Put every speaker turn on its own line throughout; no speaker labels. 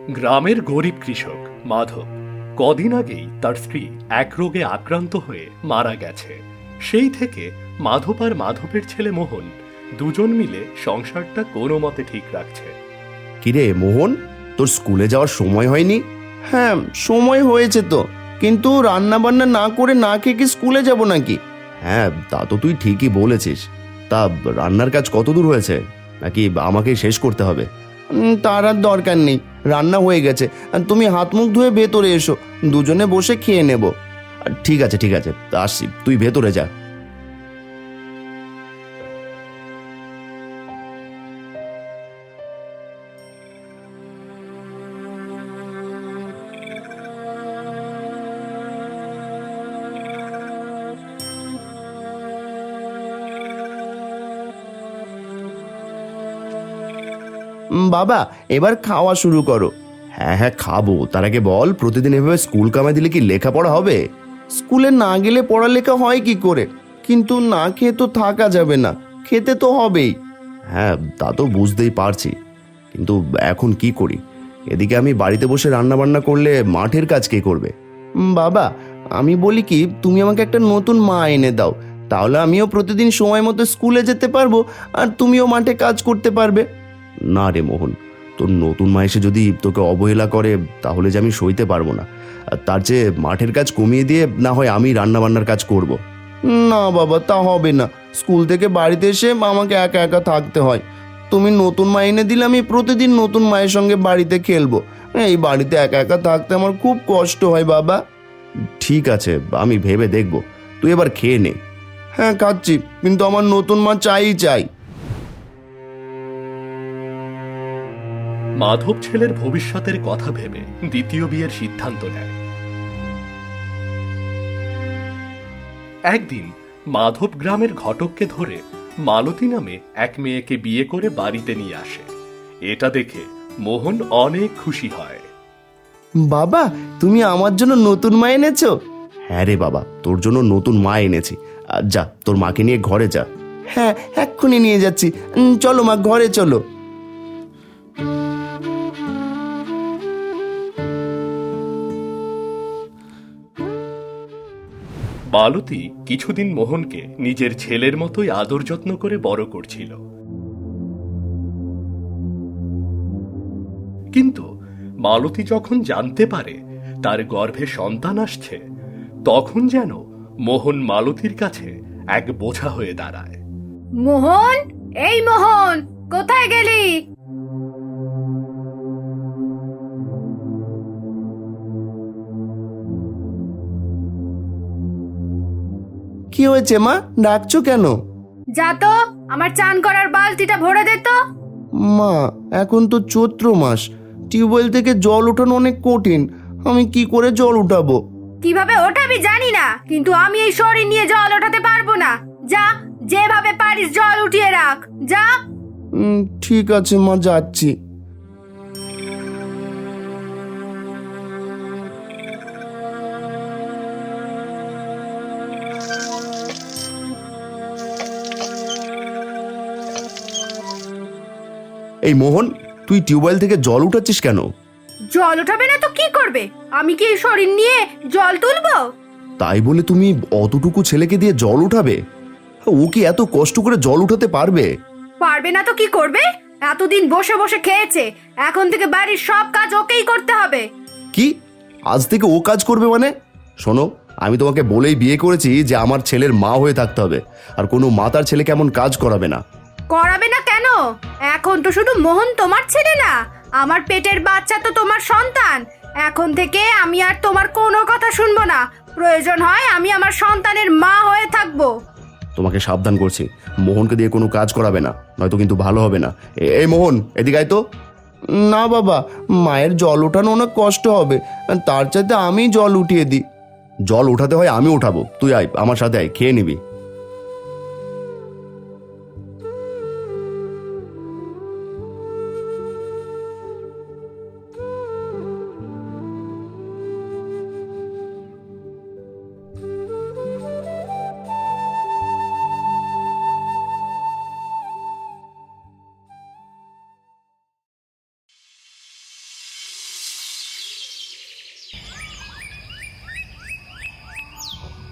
গ্রামের গরিব কৃষক মাধব কদিন আগেই তার স্ত্রী এক রোগে আক্রান্ত হয়ে মারা গেছে। সেই থেকে মাধব আর মাধবের ছেলে মোহন দুজন মিলে সংসারটা কোনো মতে ঠিক রাখছে।
কিরে মোহন, তোর স্কুলে যাওয়ার সময় হয়নি? হ্যাঁ, সময় হয়েছে তো, কিন্তু রান্না বান্না না করে না খেয়ে কি স্কুলে যাব নাকি? হ্যাঁ, তা তো তুই ঠিকই বলেছিস। তা রান্নার কাজ কত দূর হয়েছে, নাকি আমাকেই শেষ করতে হবে? তার আর দরকার নেই, রান্না হয়ে গেছে। তুমি হাত মুখ ধুয়ে ভেতরে এসো, দুজনে বসে খেয়ে নেব। ঠিক আছে ঠিক আছে, আসছি, তুই ভেতরে যা। বাবা, এবার খাওয়া শুরু করো। হ্যাঁ হ্যাঁ খাবো, তার আগে বল, প্রতিদিন এভাবে স্কুল কামাই দিলে কি লেখাপড়া হবে? স্কুলে না গেলে পড়ালেখা হয় কি করে? কিন্তু না খেয়ে তো থাকা যাবে না, খেতে তো হবেই। হ্যাঁ, তা তো বুঝতেই পারছি, কিন্তু এখন কি করি? এদিকে আমি বাড়িতে বসে রান্না বান্না করলে মাঠের কাজ কে করবে? বাবা, আমি বলি কি, তুমি আমাকে একটা নতুন মা এনে দাও, তাহলে আমিও প্রতিদিন সময় মতো স্কুলে যেতে পারবো, আর তুমিও মাঠে কাজ করতে পারবে। না রে মোহন, তোর নতুন মা এসে যদি তোকে অবহেলা করে, তাহলে যে আমি সইতে পারবো না। আর তার চেয়ে মাঠের কাজ কমিয়ে দিয়ে না হয় আমি রান্না বান্নার কাজ করব। না বাবা, তা হবে না। স্কুল থেকে বাড়িতে এসে আমাকে একা একা থাকতে হয়। তুমি নতুন মা এনে দিলে আমি প্রতিদিন নতুন মায়ের সঙ্গে বাড়িতে খেলবো। এই বাড়িতে একা একা থাকতে আমার খুব কষ্ট হয় বাবা। ঠিক আছে, আমি ভেবে দেখব। তুই এবার খেয়ে নে। হ্যাঁ খাচ্ছি, কিন্তু আমার নতুন মা চাই।
মাধব ছেলের ভবিষ্যতের কথা ভেবে দ্বিতীয় বিয়ের সিদ্ধান্ত নেয়। একদিন মাধব গ্রামের ঘটককে ধরে মালতী নামে এক মেয়েকে বিয়ে করে বাড়িতে নিয়ে আসে। এটা দেখে মোহন অনেক খুশি হয়।
বাবা, তুমি আমার জন্য নতুন মা এনেছো? হ্যাঁ রে বাবা, তোর জন্য নতুন মা এনেছি। যা, তোর মাকে নিয়ে ঘরে যা। হ্যাঁ, এক্ষুনি নিয়ে যাচ্ছি। চলো মা, ঘরে চলো।
মালতী কিছুদিন মোহনকে নিজের ছেলের মতোই আদর যত্ন করে বড় করছিল। কিন্তু মালতী যখন জানতে পারে তার গর্ভে সন্তান আসছে, তখন যেন মোহন মালতীর কাছে এক বোঝা হয়ে দাঁড়ায়।
মোহন, এই মোহন, কোথায় গেলি?
কি হয়েছে মা, ডাকছো কেন?
যা তো, আমার চান করার বালতিটা ভরে দে তো।
মা, এখন তো চৈত্র মাস, টিউবওয়েল থেকে জল ওঠানো অনেক কঠিন। আমি কি করে জল উঠাবো?
কিভাবে ওঠাবি জানি না, কিন্তু আমি এই শরীর নিয়ে জল ওঠাতে পারবো না। যা, যেভাবে পারিস জল উঠিয়ে রাখ, যা।
ঠিক আছে মা, যাচ্ছি। এই মোহন, তুই টিউবওয়েল থেকে জল উঠাচ্ছিস কেন?
জল ওঠাবে না তো কি করবে? আমি কি এই শরীর নিয়ে জল তুলবো?
তাই বলে তুমি অতটুকু ছেলেকে দিয়ে জল উঠাবে? ও কি এত কষ্ট করে জল উঠাতে পারবে?
পারবে না তো কি করবে? এতদিন বসে বসে খেয়েছে, এখন থেকে বাড়ির সব কাজ ওকেই করতে হবে।
কি, আজ থেকে ও কাজ করবে মানে? শোনো, আমি তোমাকে বলেই বিয়ে করেছি যে আমার ছেলের মা হয়ে থাকতে হবে, আর কোনো মাতার ছেলে কেমন কাজ করাবে না।
করাবে না কেন? এখন তো শুধু মোহন তোমার ছেলে না, আমার পেটের বাচ্চা তো তোমার সন্তান। এখন থেকে আমি আর তোমার কোনো কথা শুনবো না। প্রয়োজন হয় আমি আমার সন্তানের মা হয়ে থাকবো।
তোমাকে সাবধান করছি, মোহনকে দিয়ে কোনো কাজ করাবে না, নয়তো কিন্তু ভালো হবে না। এই মোহন, এদিকে আয় তো। না বাবা, মায়ের জল ওঠানো অনেক কষ্ট হবে, তার চাইতে আমি জল উঠিয়ে দিই। জল উঠাতে হয় আমি উঠাবো, তুই আয় আমার সাথে, আয়, খেয়ে নিবি।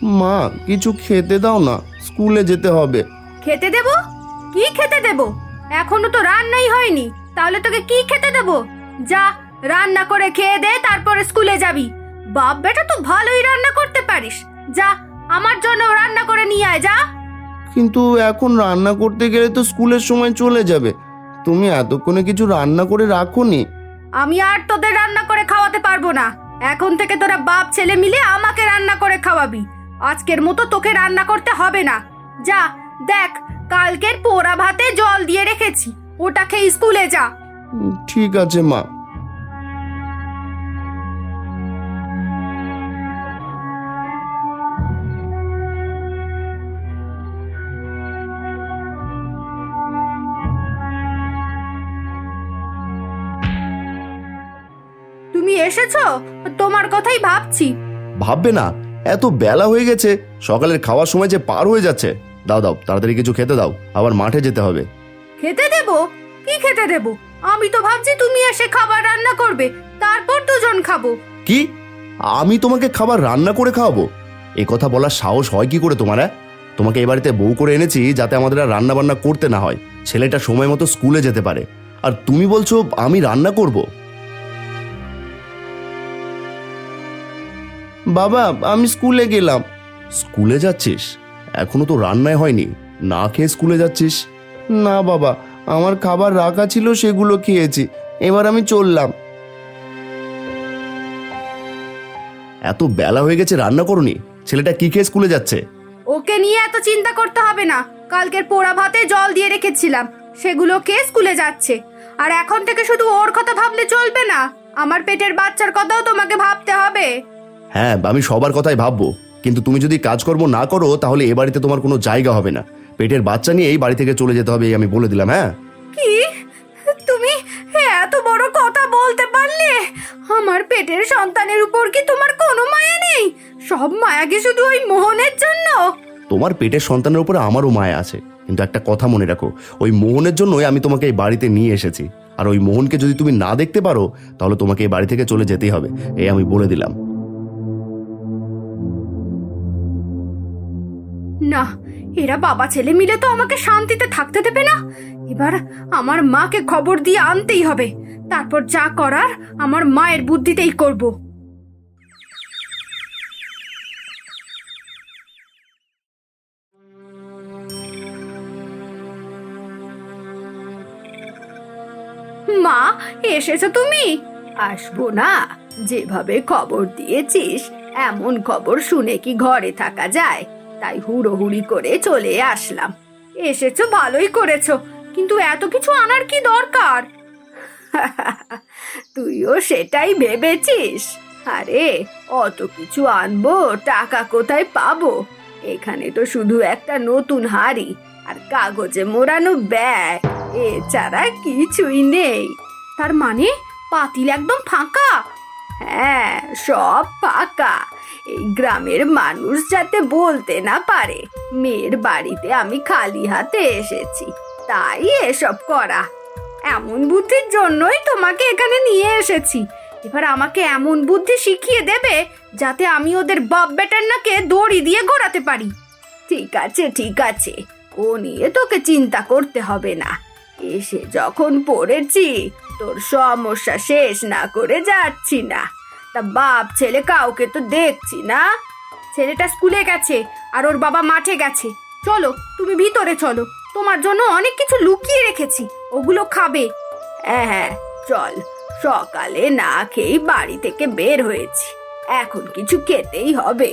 মা কিছু খেতে দাও না, স্কুলে যেতে হবে।
খেতে দেব? কি খেতে দেব? এখনো তো রান্নাই হয়নি, তাহলে তোকে কি খেতে দেব? যা, রান্না করে খেয়ে দে, তারপরে স্কুলে যাবি। বাপ বেটা তো ভালোই রান্না করতে পারিস। যা, আমার জন্য রান্না করে নিয়ে আয়, যা।
কিন্তু এখন রান্না করতে গেলে তো স্কুলের সময় চলে যাবে। তুমি এতক্ষণে কিছু রান্না করে রাখোনি?
আমি আর তোদের রান্না করে খাওয়াতে পারবো না। এখন থেকে তোরা বাপ ছেলে মিলে আমাকে রান্না করে খাওয়াবি। আজকের মতো তোকে রান্না করতে হবে না। যা, দেখ, কালকের পোড়া ভাতে জল দিয়ে রেখেছি, ওটা খেয়ে স্কুলে যা।
ঠিক আছে মা।
তুমি এসেছো? তোমার কথাই ভাবছি।
ভাববে না, এত বেলা হয়ে গেছে, সকালের খাওয়ার সময় যে পার হয়ে যাচ্ছে। দাও দাও, তাড়াতাড়ি কিছু খেতে দাও, আবার মাঠে যেতে হবে।
খেতে দেব? কি খেতে দেব? আমি তো ভাবছি তুমি এসে খাবার রান্না করবে, তারপর দুজন খাবো।
কি? আমি তোমাকে খাবার রান্না করে খাওয়াবো? এ কথা বলার সাহস হয় কি করে তোমার? তোমাকে এ বাড়িতে বউ করে এনেছি যাতে আমাদের আর রান্না বান্না করতে না হয়, ছেলেটা সময় মতো স্কুলে যেতে পারে, আর তুমি বলছো আমি রান্না করব? বাবা আমি স্কুলে গেলাম। স্কুলে যাচ্ছিস? এখনো তো রান্নাই হয়নি, না খেয়ে স্কুলে যাচ্ছিস? না বাবা, আমার খাবার রাখা ছিল, সেগুলো খেয়েছি, এবার আমি চললাম। এত বেলা হয়ে গেছে, রান্না করনি? ছেলেটা কি খেয়ে স্কুলে যাচ্ছে?
ওকে নিয়ে এত চিন্তা করতে হবে না। কালকের পোড়া ভাতে জল দিয়ে রেখেছিলাম, সেগুলো খেয়ে স্কুলে যাচ্ছে। আর এখন থেকে শুধু ওর কথা ভাবলে চলবে না, আমার পেটের বাচ্চার কথাও তোমাকে ভাবতে হবে।
হ্যাঁ, আমি সবার কথাই ভাববো, কিন্তু তুমি যদি কাজকর্ম না করো তাহলে এ বাড়িতে তোমার কোনো জায়গা হবে না। পেটের বাচ্চা নিয়ে এই বাড়ি থেকে চলে যেতে হবে, এই আমি বলে দিলাম। হ্যাঁ।
কি? তুমি এত বড় কথা বলতে পারলে? আমার পেটের সন্তানের উপর কি তোমার কোনো মায়া নেই? সব মায়া কি শুধু ওই মোহনের জন্য?
তোমার পেটের সন্তানের উপরে আমারও মায়া আছে, কিন্তু একটা কথা মনে রাখো, ওই মোহনের জন্যই আমি তোমাকে এই বাড়িতে নিয়ে এসেছি। আর ওই মোহনকে যদি তুমি না দেখতে পারো তাহলে তোমাকে এই বাড়ি থেকে চলে যেতেই হবে, এই আমি বলে দিলাম।
না, এরা বাবা ছেলে মিলে তো আমাকে শান্তিতে থাকতে দেবে না। এবার আমার মাকে খবর দিয়ে আনতেই হবে, তারপর যা করার আমার মায়ের বুদ্ধিতেই করব। মা, এসেছো তুমি? আসবো না? যেভাবে খবর দিয়েছিস এমন খবর শুনে কি ঘরে থাকা যায়? তাই হুড়োহুড়ি করে চলে আসলাম। এসেছো ভালোই করেছো, কিন্তু এত কিছু আনার কি দরকার? তুইও সেটাই ভেবেছিস? আরে অত কিছু আনবো, টাকা কোথায় পাবো? এখানে তো শুধু একটা নতুন হাড়ি আর কাগজে মোড়ানো ব্যাগ, এছাড়া কিছুই নেই। তার মানে পাতিল একদম ফাঁকা? হ্যাঁ, সব ফাঁকা। এই গ্রামের মানুষ যাতে বলতে না পারে মেয়ের বাড়িতে আমি খালি হাতে এসেছি, তাই এসব করা। এমন বুদ্ধির জন্যই তোমাকে এখানে নিয়ে এসেছি। এবার আমাকে এমন বুদ্ধি শিখিয়ে দেবে যাতে আমি ওদের বাপ বেটার নাকে দড়ি দিয়ে গড়াতে পারি। ঠিক আছে ঠিক আছে, ও নিয়ে তোকে চিন্তা করতে হবে না। এসে যখন পড়েছি, তোর সমস্যা শেষ না করে যাচ্ছি না। তা বাপ ছেলে কাউকে তো দেখছি না। ছেলেটা স্কুলে গেছে আর ওর বাবা মাঠে গেছে। চলো, তুমি ভিতরে চলো, তোমার জন্য অনেক কিছু লুকিয়ে রেখেছি, ওগুলো খাবে। হ্যাঁ হ্যাঁ, চল। সকালে না খেয়েই বাড়ি থেকে বের হয়েছি, এখন কিছু খেতেই হবে।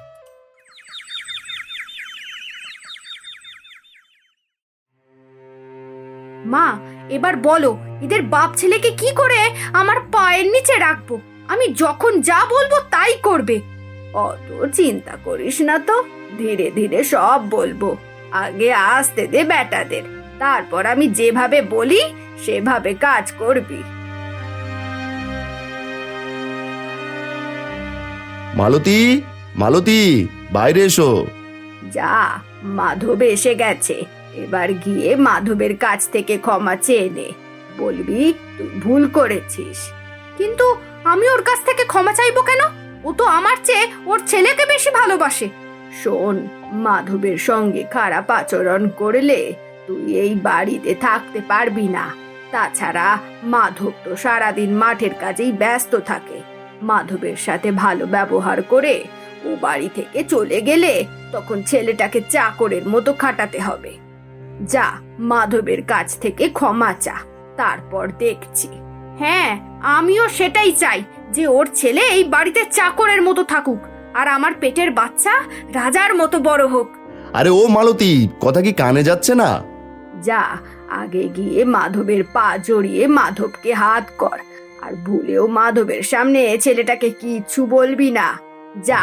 মা, এবার বলো, এদের বাপ ছেলেকে কি করে আমার পায়ের নিচে রাখবো? আমি যখন যা বলবো তাই করবে। অত চিন্তা করিস না তো, ধীরে ধীরে সব বলবো। আগে আসতে দে বেটাদের, তারপর আমি যেভাবে বলি সেভাবে কাজ করবি।
মালতী, মালতী, বাইরে এসো।
যা, মাধব এসে গেছে, এবার গিয়ে মাধবের কাছ থেকে ক্ষমা চেয়ে নে। বলবি তুই ভুল করেছিস। কিন্তু আমি ওর কাছ থেকে ক্ষমা চাইবো কেন? ও তো আমার চেয়ে ওর ছেলেকে বেশি ভালোবাসে। শোন, মাধবের সঙ্গে খারাপ আচরণ করলে তুই এই বাড়িতে থাকতে পারবি না। তাছাড়া মাধব তো সারাদিন মাঠের কাজেই ব্যস্ত থাকে। মাধবের সাথে ভালো ব্যবহার করে ও বাড়ি থেকে চলে গেলে তখন ছেলেটাকে চাকরের মতো খাটাতে হবে। যা, মাধবের কাছ থেকে ক্ষমা চা, তারপর দেখছি। হ্যাঁ, আমিও সেটাই চাই যে ওর ছেলে এই বাড়িতে চাকরের মতো থাকুক, আর আমার পেটের বাচ্চা রাজার মতো বড় হোক।
আরে ও মালতী, কথা কি কানে যাচ্ছে না?
যা, আগে গিয়ে মাধবের পা জড়িয়ে মাধবকে হাত কর, আর ভুলেও মাধবের সামনে ছেলেটাকে কিচ্ছু বলবি না। যা।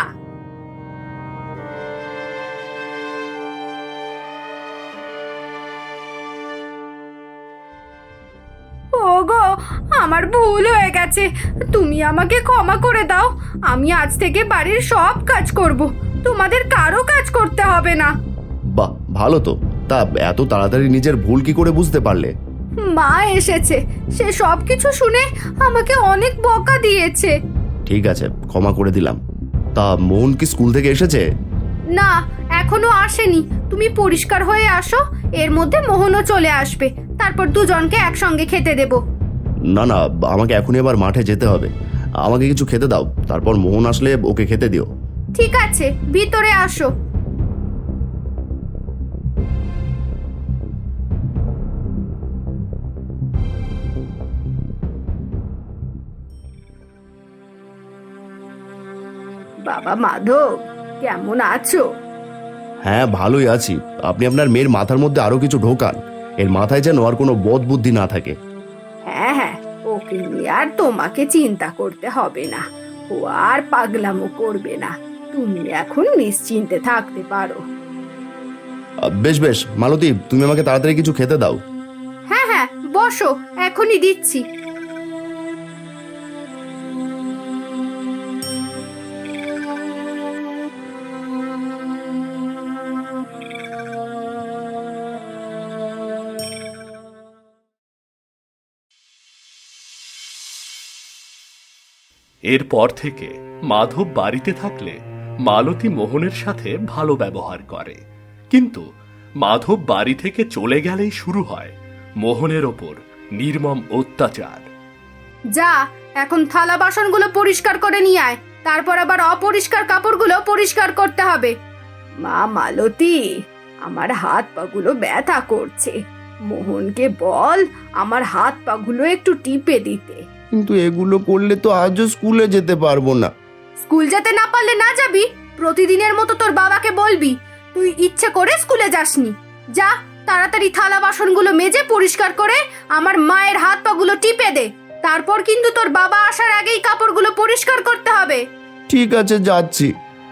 ওগো, আমার ভুল হয়ে গেছে, তুমি আমাকে ক্ষমা করে দাও। আমি আজ থেকে বাড়ির সব কাজ করব, তোমাদের কারো কাজ করতে হবে না।
বাহ, ভালো তো। তা এত তাড়াতাড়ি নিজের ভুল কি করে বুঝতে পারলে?
মা এসেছে, সে সব কিছু শুনে আমাকে অনেক বকা দিয়েছে।
ঠিক আছে, ক্ষমা করে দিলাম। তা মোহন কি স্কুল থেকে এসেছে?
না, এখনো আসেনি। তুমি পরিষ্কার হয়ে আসো, এর মধ্যে মোহনও চলে আসবে, তারপর দুজনকে একসঙ্গে খেতে দেব।
না না, আমাকে এখনই আবার মাঠে যেতে হবে। আমাকে কিছু খেতে দাও, তারপর মোহন আসলে ওকে খেতে দিও।
ঠিক আছে, ভিতরে আসো। বাবা মাধব, কেমন আছো?
হ্যাঁ, ভালোই আছি। আপনি আপনার মেয়ের মাথার মধ্যে আরো কিছু ঢোকান, এর মাথায় যেন আর কোনো বদ বুদ্ধি না থাকে।
হ্যাঁ হ্যাঁ, ওকে নিয়ে আর তোমাকে চিন্তা করতে হবে না, ও আর পাগলামো করবে না। তুমি এখন নিশ্চিন্তে থাকতে পারো।
বেশ বেশ, মালতী, তুমি আমাকে তাড়াতাড়ি কিছু খেতে দাও।
হ্যাঁ হ্যাঁ, বসো, এখনই দিচ্ছি।
এরপর থেকে মাধব বাড়িতে থাকলে মালতী মোহনের সাথে ভালো ব্যবহার করে, কিন্তু মাধব বাড়ি থেকে চলে গেলেই শুরু হয় মোহনের ওপর নির্মম অত্যাচার।
যা, এখন থালা বাসনগুলো পরিষ্কার করে নিয়ে আয়, তারপর আবার অপরিষ্কার কাপড়গুলো পরিষ্কার করতে হবে। মা মালতী, আমার হাত পাগুলো ব্যথা করছে, মোহনকে বল আমার হাত পাগুলো একটু টিপে দিতে।
কিন্তু এগুলো করলে তো আজও স্কুলে যেতে পারবো না।
স্কুল যেতে না পারলে না যাবি, প্রতিদিনের মতো তোর বাবাকে বলবি তুই ইচ্ছে করে স্কুলে যাসনি। যা, তাড়াতাড়ি থালা বাসনগুলো মেজে পরিষ্কার করে আমার মায়ের হাত পাগুলো টিপে দে, তারপর কিন্তু তোর বাবা আসার আগেই কাপড়গুলো পরিষ্কার করতে হবে।
ঠিক আছে, যাচ্ছি।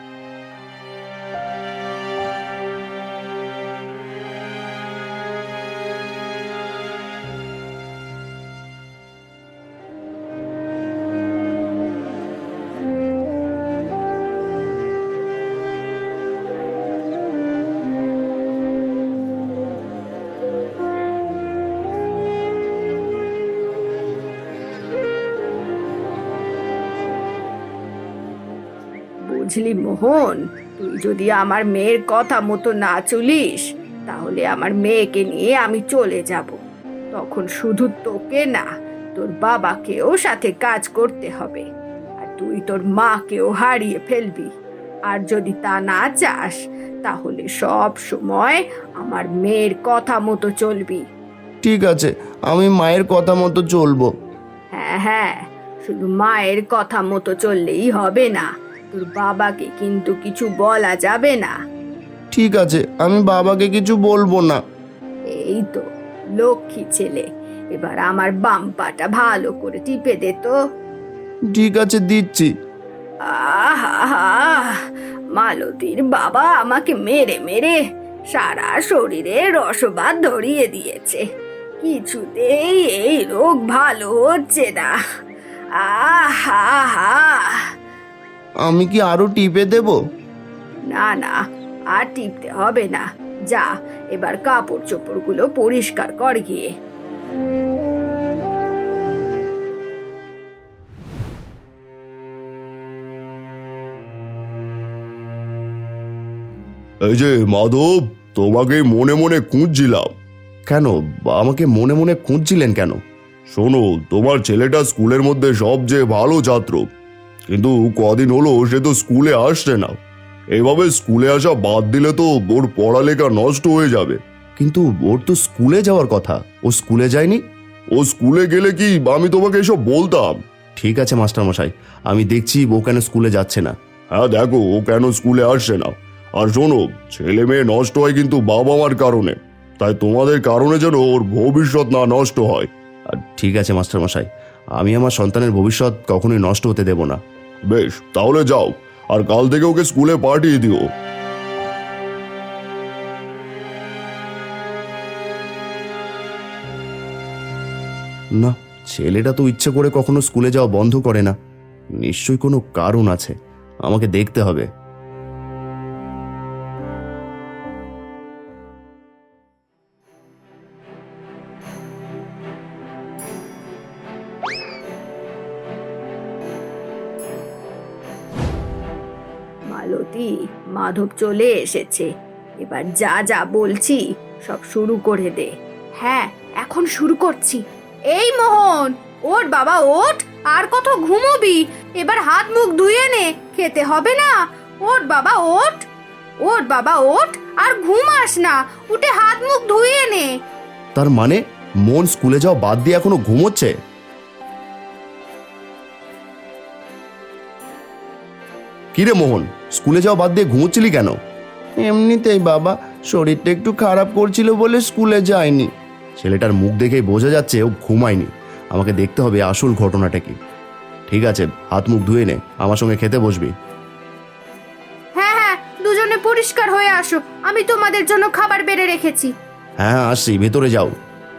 বুঝলি মোহন, তুই যদি আমার মেয়ের কথা মতো না চলিস, তাহলে আমার মেয়েকে নিয়ে আমি চলে যাব। তখন শুধু তোকে না, তোর বাবাকেও সাথে কাজ করতে হবে, আর তুই তোর মাকেও হারিয়ে ফেলবি। আর যদি তা না চাস, তাহলে সব সময় আমার মেয়ের কথা মতো চলবি।
ঠিক আছে, আমি মায়ের কথা মতো চলবো।
হ্যাঁ হ্যাঁ, শুধু মায়ের কথা মতো চললেই হবে না, তোর বাবাকে কিন্তু কিছু বলা যাবে না।
ঠিক আছে, আমি বাবাকে কিছু বলবো না।
এই তো লক্ষ্মী ছেলে, এবার আমার বাম পাটা ভালো করে টিপে দে তো।
ঠিক আছে, দিচ্ছি।
আহা, মালতীর বাবা আমাকে মেরে মেরে সারা শরীরে রসবাত ধরিয়ে দিয়েছে, কিছুতেই এই রোগ ভালো হচ্ছে না। আহা,
আমি কি আরো টিপে দেব?
না না, আর টিপতে হবে না। যা, এবার কাপড় চোপড়গুলো পরিষ্কার কর গিয়ে।
এই যে মাধব, তোমাকে মনে মনে খুঁজছিলাম। কেন? আমাকে মনে মনে খুঁজছিলেন কেন? শোনো, তোমার ছেলেটা স্কুলের মধ্যে সবচেয়ে ভালো ছাত্র, কিন্তু কদিন হলো সে তো স্কুলে আসছে না। এইভাবে স্কুলে আসা বাদ দিলে তো ওর পড়ালেখা নষ্ট হয়ে যাবে। কিন্তু ওর তো স্কুলে যাওয়ার কথা, ও স্কুলে যায়নি। ও স্কুলে গেলে কি আমি তোমাকে এসব বলতাম? ঠিক আছে মাস্টারমশাই, আমি দেখছি ও কেন স্কুলে যাচ্ছে না। হ্যাঁ দেখো, ও কেন স্কুলে আসছে না। আর শোনো, ছেলে মেয়ে নষ্ট হয় কিন্তু বাবা মার কারণে, তাই তোমাদের কারণে যেন ওর ভবিষ্যৎ না নষ্ট হয়। ঠিক আছে মাস্টারমশাই, আমি আমার সন্তানের ভবিষ্যৎ কখনোই নষ্ট হতে দেব না। বেশ, তাহলে যাও, আর কাল থেকে ওকে স্কুলে পাঠিয়ে দিও। না, ছেলেটা তো ইচ্ছে করে কখনো স্কুলে যাওয়া বন্ধ করে না। নিশ্চয়ই কোনো কারণ আছে, আমাকে দেখতে হবে।
মালতী, মাধব চলে এসেছে। এবার যা যা বলছি সব শুরু করে দে। হ্যাঁ, এখন শুরু করছি। এই মোহন, ওঠ বাবা ওঠ, আর কত ঘুমোবি? এবার হাত মুখ ধুয়ে নে, খেতে হবে না। ওঠ বাবা ওঠ, ওঠ বাবা ওঠ, আর ঘুমাস না, উঠে হাত মুখ ধুয়ে নে।
তার মানে মন স্কুলে যাওয়া বাদ দিয়ে এখনো ঘুমোচ্ছে? কিরে মোহন, স্কুলে যাওয়া বাদ দিয়ে ঘুমোচ্ছিলি কেন? এমনিতেই বাবা, শরীরটা একটু খারাপ করছিল বলে স্কুলে যায়নি। ছেলেটার মুখ দেখেই বোঝা যাচ্ছে ও ঘুমায়নি। আমাকে দেখতে হবে আসল ঘটনাটা কি। ঠিক আছে, হাত মুখ ধুয়ে নে, আমার সঙ্গে খেতে বসবি।
হ্যাঁ হ্যাঁ, দুজনে পরিষ্কার হয়ে আসো, আমি তোমাদের জন্য খাবার বেড়ে রেখেছি।
হ্যাঁ আসছি, ভেতরে যাও।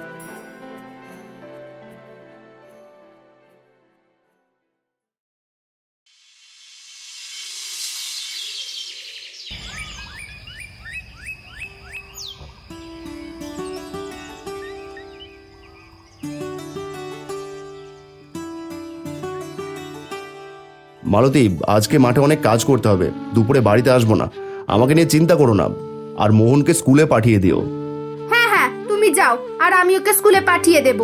মালতী, আজকে মাঠে অনেক কাজ করতে হবে, দুপুরে বাড়িতে আসবো না। আমাকে নিয়ে চিন্তা করো না, আর মোহনকে স্কুলে পাঠিয়ে দিও।
হ্যাঁ হ্যাঁ, তুমি যাও, আর আমি ওকে স্কুলে পাঠিয়ে দেব।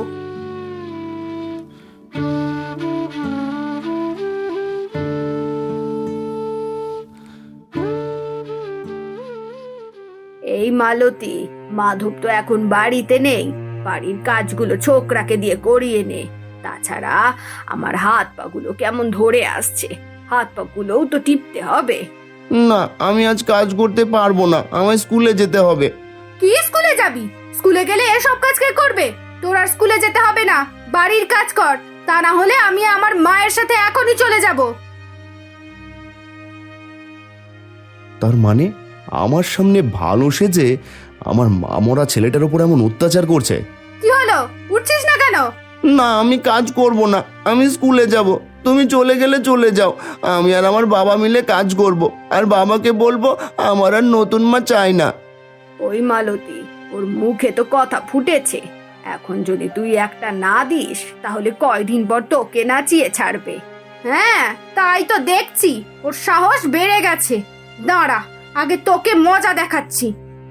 এই মালতী, মাধব তো এখন বাড়িতে নেই, বাড়ির কাজগুলো ছোকরাকে দিয়ে করিয়ে নে। তাছাড়া আমার হাত পাগুলো কেমন ধরে আসছে, হাত পাগুলোও তো টিপতে হবে।
না, আমি আজ কাজ করতে পারবো না, আমায় স্কুলে যেতে হবে।
কি স্কুলে যাবি? স্কুলে গেলে এসব কাজ কে করবে? তোর আর স্কুলে যেতে হবে না, বাড়ির কাজ কর, তা না হলে আমি আমার মায়ের সাথে এখনই চলে যাব।
তার মানে আমার সামনে ভালো সেজে আমার মামরা ছেলেটার উপর এমন অত্যাচার করছে।
কি হলো, উঠছিস না কেন?
না, আমি কাজ করব না, আমি স্কুলে যাব। তুমি চলে গেলে চলে যাও, আমি আর আমার বাবা মিলে কাজ করব, আর বাবাকে বলবো আমার আর নতুন মা চাই না।
ওই মালতী, ওর মুখে তো কথা ফুটেছে, এখন যদি তুই একটা না দিস তাহলে কয়দিন পর তোকে নাচিয়ে ছাড়বে। হ্যাঁ, তাই তো দেখছি, ওর সাহস বেড়ে গেছে। দাঁড়া, আগে তোকে মজা দেখাচ্ছি।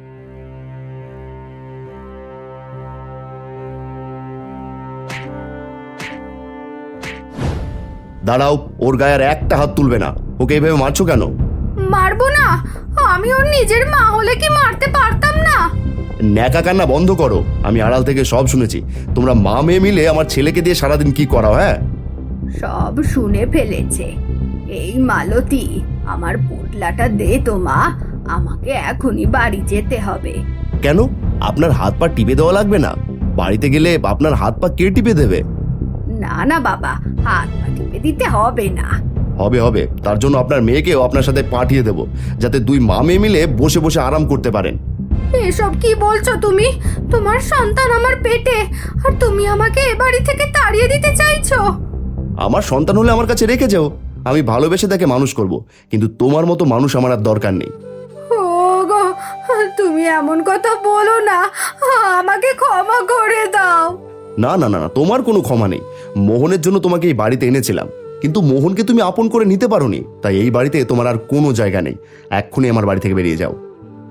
দাঁড়াও, ওর গায়ে আর একটা হাত তুলবে না। ওকে এইভাবে মারছো কেন?
মারবো না? আমি ওর নিজের মা হলে কি মারতে পারতাম না?
ন্যাকা কান্না বন্ধ করো, আমি আড়াল থেকে সব শুনেছি। তোমরা মা মেয়ে মিলে আমার ছেলেকে দিয়ে সারাদিন কি করাও? হ্যাঁ,
সব শুনে ফেলেছে। এই মালতী, আমার পোটলাটা দে তো মা, আমাকে এখনই বাড়ি যেতে হবে।
কেন? আপনার হাত পা টিপে দেওয়া লাগবে না? বাড়িতে গেলে আপনার হাত পা কে টিপে দেবে?
না না বাবা, হাত পা টিপে দিতে হবে না।
হবে হবে, তার জন্য আপনার মেয়েকেও আপনার সাথে পাঠিয়ে দেব, যাতে দুই মা মেয়ে মিলে বসে বসে আরাম করতে পারেন।
এসব কি বলছো তুমি? তোমার সন্তান আমার পেটে, আর তুমি আমাকে এ বাড়ি থেকে তাড়িয়ে দিতে চাইছো?
আমার সন্তান হলে আমার কাছে রেখে যাও, আমি ভালোবেসে তাকে মানুষ করব, কিন্তু তোমার মতো মানুষ আমার আর দরকার নেই।
ও গো, তুমি এমন কথা বলো না, আমাকে ক্ষমা করে দাও।
না না না না, তোমার কোনো ক্ষমা নেই। মোহনের জন্য তোমাকে এই বাড়িতে এনেছিলাম, কিন্তু মোহনকে তুমি আপন করে নিতে পারোনি, তাই এই বাড়িতে তোমার আর কোনো জায়গা নেই। এক্ষুনি আমার বাড়ি থেকে বেরিয়ে যাও।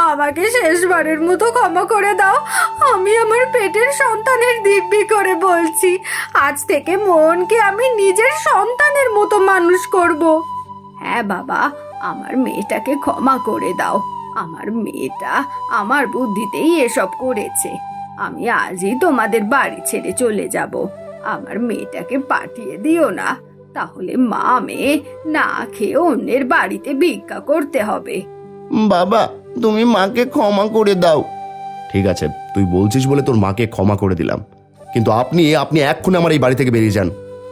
আমাকে শেষবারের মতো ক্ষমা করে দাও। আমি আমার পেটের সন্তানের দিব্যি করে বলছি, আজ থেকে মোহনকে আমি নিজের সন্তানের মতো মানুষ করব। হ্যাঁ বাবা, আমার মেয়েটাকে ক্ষমা করে দাও। আমার মেয়েটা আমার বুদ্ধিতেই এসব করেছে। আমি আজই তোমাদের বাড়ি ছেড়ে চলে যাব। আমার মেয়েটাকে পাঠিয়ে দিও না, তাহলে মা মেয়ে না খেয়ে অন্যের বাড়িতে ভিক্ষা করতে হবে।
বাবা, তুমি মাকে ক্ষমা করে দাও। ঠিক আছে, তুই বলছিস বলে তোর মাকে ক্ষমা করে দিলাম, কিন্তু আপনি আপনি এক্ষুনি আমার এই বাড়ি থেকে বেরিয়ে যান।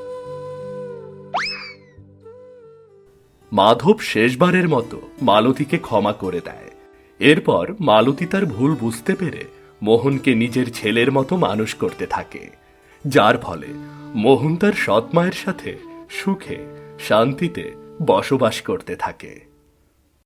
মাধব শেষবারের মতো মালতীকে ক্ষমা করে দেয়। এরপর মালতী তার ভুল বুঝতে পেরে মোহনকে নিজের ছেলের মতো মানুষ করতে থাকে, যার ফলে মোহন তার সৎ মায়ের সাথে সুখে শান্তিতে বসবাস করতে থাকে।